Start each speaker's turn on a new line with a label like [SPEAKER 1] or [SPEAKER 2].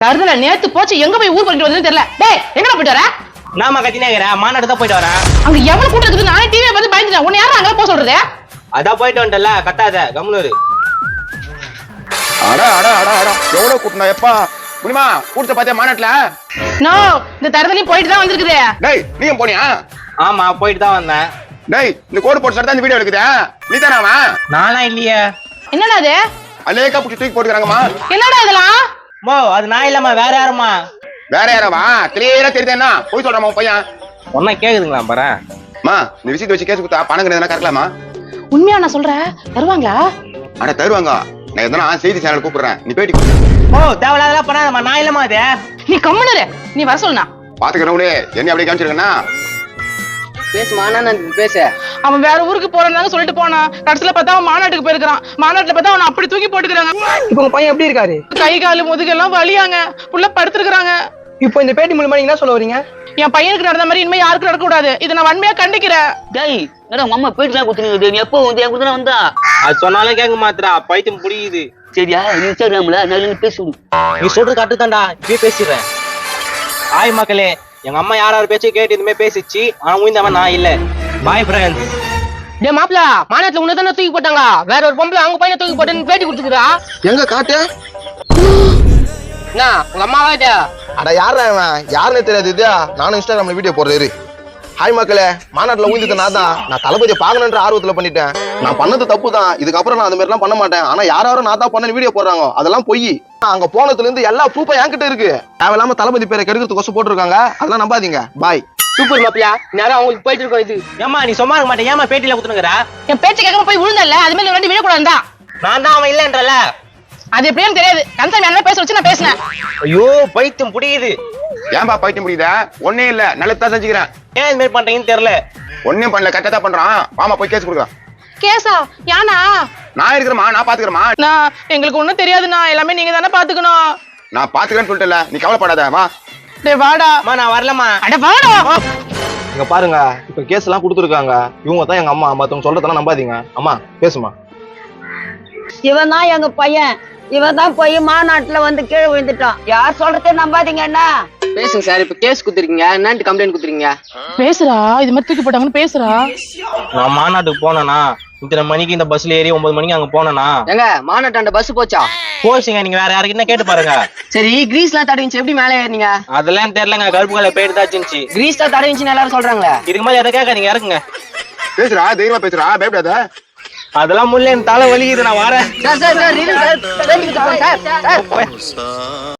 [SPEAKER 1] தருதல நேத்து போச்சு எங்க போய் ஊர் பண்ணிட்டு வந்ததுன்னு தெரியல. டேய் எங்கடா போயிட்டு வர?
[SPEAKER 2] நாம கத்தினேங்கற மாநாடு தான் போயிட்டு வரேன்.
[SPEAKER 1] அங்க எவ்வளவு கூட்டம் இருக்குது நானே டிவியை பார்த்து பயந்துட்டேன். உன்னை யாரும் அங்க போக சொல்றது?
[SPEAKER 2] அதான் போயிட்டு வந்துட்டல கத்தாத கம்முனு.
[SPEAKER 3] அட அட அட அட எவ்வளவு கூட்டணும் எப்பா முடியுமா கூட்டத்தை பாத்தியா மாநாட்டுல?
[SPEAKER 1] நோ இந்த தருதலையும் போயிட்டு தான் வந்திருக்குது.
[SPEAKER 3] டேய் நீயும் போனியா?
[SPEAKER 2] ஆமா போயிட்டு தான் வந்தேன்.
[SPEAKER 3] டேய் இந்த கோடு போட்டு தான் இந்த வீடியோ எடுக்குதா? நீ தானே அவன்?
[SPEAKER 2] நானா இல்லையே.
[SPEAKER 1] என்னடா அது?
[SPEAKER 3] அலேக்கா புடிச்சு தூக்கி போட்டுக்கறாங்கம்மா.
[SPEAKER 1] என்னடா இதெல்லாம்?
[SPEAKER 2] மோ அது நான் இல்லம்மா வேற யாருமா?
[SPEAKER 3] வேற யாரவா? கிளியரா தெரியுதேன்னா போய் சொல்றமா உன் பையன்.
[SPEAKER 2] ஒண்ணா கேக்குதுங்களா பாரு.
[SPEAKER 3] அம்மா இந்த விஷயத்தை வச்சு கேஸ் கொடுத்தா பணம் கிடையாதுன்னா கறக்கலாமா?
[SPEAKER 1] உண்மையா நான் சொல்றேன் தருவாங்களா?
[SPEAKER 3] அட தருவாங்க. நான் எதனா செய்தி சேனல் கூப்பிடுறேன் நீ பேட்டி கொடு.
[SPEAKER 2] ஓ தேவலாதெல்லாம் பண்ணாதம்மா நான் இல்லம்மா அது.
[SPEAKER 1] நீ கம்முனு இரு. நீ வர சொல்லுனா.
[SPEAKER 3] பாத்துக்கறவங்களே என்ன அப்படியே காமிச்சிருக்கேன்னா
[SPEAKER 2] பேசுமா நான் பேச.
[SPEAKER 1] அவன் வேற ஊருக்கு போறான்னு சொல்லிட்டு போனான். கடைசில பார்த்தா அவன் மாநாட்டுக்கு போயிருக்கான். மாநாட்டுல பார்த்தா அவன் அப்படி தூக்கி போட்டுக்கிறாங்க.
[SPEAKER 4] இப்போ உங்க பையன் எப்படி இருக்காரு?
[SPEAKER 1] கை காலு முதுகெல்லாம் வலியாங்க. புள்ள படுத்துருக்காங்க.
[SPEAKER 4] இப்போ இந்த பேட்டி மூலமா நீங்க என்ன சொல்ல வரீங்க?
[SPEAKER 1] என் பையனுக்கு நடந்த மாதிரி இனிமே யாருக்கும் நடக்க கூடாது. இதை நான் வன்மையா கண்டிக்கிறேன்.
[SPEAKER 5] டேய் என்னடா உங்க அம்மா போயிட்டு தான் குத்துனீங்க. நீ எப்போ வந்து என் கூட வந்தா?
[SPEAKER 2] அது சொன்னாலும் கேட்க மாட்டா பைத்தியம் புரியுது.
[SPEAKER 5] சரியா இன்ஸ்டாகிராம்ல நல்ல பேசுடு.
[SPEAKER 2] நீ சொல்றது கட்டுதான்டா இப்பயே பேசிடுறேன். ஆய் மக்களே எங்க அம்மா யாராவது பேச்சு கேட்டு இதுமே பேசிச்சு. ஆனா உயிர்ந்தவன் நான் இல்ல. Boyfriends.
[SPEAKER 4] டேய் மாப்ள மாநாட்டுல உன்ன தான தூக்கி போட்டாங்க. வேற ஒரு பொம்பளை அவங்க பையனை தூக்கி போட்டுன்னு பேட்டி கொடுத்துக்கிறா.
[SPEAKER 3] எங்க காட்டு?
[SPEAKER 4] என்ன உங்க அம்மாவா இது?
[SPEAKER 6] அட யாரா இவன்? யாருன்னு தெரியாது. இது நானும் இன்ஸ்டாகிராம்ல வீடியோ போடுறேன். ஹாய் மக்களே, மாநாட்டுல ஊழ்ந்துட்டு நான் தளபதியை பாக்கணுன்ற ஆர்வத்துல பண்ணிட்டேன். நான் பண்ணது தப்பு தான். இதுக்கப்புறம் நான் அந்த மாதிரி எல்லாம் பண்ண மாட்டேன். ஆனா யாரும் நான் தான் பண்ண வீடியோ போடுறாங்க அதெல்லாம் போய் அங்க போனதுல இருந்து எல்லா ப்ரூஃபும் என்கிட்ட இருக்கு. தேவையில்லாம தளபதி பேரை கெடுக்கிறதுக்கு போட்டிருக்காங்க. அதெல்லாம் நம்பாதீங்க. பாய்.
[SPEAKER 4] சூப்பர் மாப்ள நேரா அவங்களுக்கு போயிட்டு இருக்கோம். இது
[SPEAKER 2] ஏமா நீ சும்மா இருக்க மாட்டேன். ஏமா பேட்டியில குத்துனுங்கற?
[SPEAKER 1] என் பேச்சு கேட்காம போய் விழுந்தல்ல. அது மாதிரி ரெண்டு வீடியோ கூட இருந்தா
[SPEAKER 2] நான் தான் அவன் இல்லன்றல.
[SPEAKER 1] அது எப்படின்னு தெரியாது. கன்சர்ன் என்ன பேச வச்சு நான் பேசினேன்.
[SPEAKER 2] ஐயோ பைத்தியம் புரியுது.
[SPEAKER 3] ஏன்பா பைத்தியம் முடியுதா? ஒன்னே இல்ல நல்லதான் செஞ்சுக்கிறேன்.
[SPEAKER 2] ஏன் இது மாதிரி பண்றீங்கன்னு தெரியல.
[SPEAKER 3] ஒன்னும் பண்ணல கரெக்டா தான் பண்றான். வாமா போய் கேஸ் கொடுக்கலாம்.
[SPEAKER 1] கேசா யானா?
[SPEAKER 3] நான் இருக்கிறமா நான் பாத்துக்கிறமா.
[SPEAKER 1] நான் எங்களுக்கு ஒண்ணும் தெரியாதுண்ணா. எல்லாமே நீங்க தானே பாத்துக்கணும்.
[SPEAKER 3] நான் பாத்துக்கிறேன்னு சொல்லிட்டல நீ கவலைப்படாத. வா.
[SPEAKER 1] டேய் வாடா.
[SPEAKER 2] அம்மா நான் வரலமா.
[SPEAKER 1] அட வாடா.
[SPEAKER 6] இங்க பாருங்க, இப்ப கேஸ் எல்லாம் கொடுத்துருக்காங்க. இவங்க தான் எங்க அம்மா. மத்தவங்க சொல்றதெல்லாம் நம்பாதீங்க. அம்மா பேசுமா.
[SPEAKER 7] இவன் தான் எங்க பையன். இவன் தான் போய் மாநாட்டுல வந்து கீழே விழுந்துட்டான். யார் சொல்றதே நம்பாதீங்க. என்ன
[SPEAKER 4] பேசுங்க சார். இப்ப கேஸ் குடுத்துறீங்க. என்னன்னு கம்ப்ளைண்ட் குடுத்துறீங்க?
[SPEAKER 1] பேசுறா. இது மாதிரி தூக்கி போட்டாங்கன்னு பேசுறா.
[SPEAKER 2] நான் மாநாட்டுக்கு போனேனா இத்தனை மணிக்கு இந்த பஸ்ல ஏறி 9 மணிக்கு அங்க போனேனா?
[SPEAKER 4] எங்க மாநாட்டாண்ட பஸ் போச்சா?
[SPEAKER 2] போச்சுங்க. நீங்க வேற யாருக்கிட்ட கேட்டு பாருங்க.
[SPEAKER 4] சரி கிரீஸ் எல்லாம் தடவிச்சு எப்படி மேலே ஏறினீங்க?
[SPEAKER 2] அதெல்லாம் தெரியலங்க. கருப்பு கலர் போயிட்டு தான் இருந்துச்சு.
[SPEAKER 4] கிரீஸ் தான் தடவிச்சுன்னு எல்லாரும் சொல்றாங்களே.
[SPEAKER 2] இதுக்கு மாதிரி எதை கேட்காதீங்க. இறக்குங்க.
[SPEAKER 3] பேசுறா தைரியமா பேசுறா பயப்படாத.
[SPEAKER 2] அதெல்லாம் முல்ல என் தலை வலிக்குது. நான் வரேன்.
[SPEAKER 4] Sir sir sir sir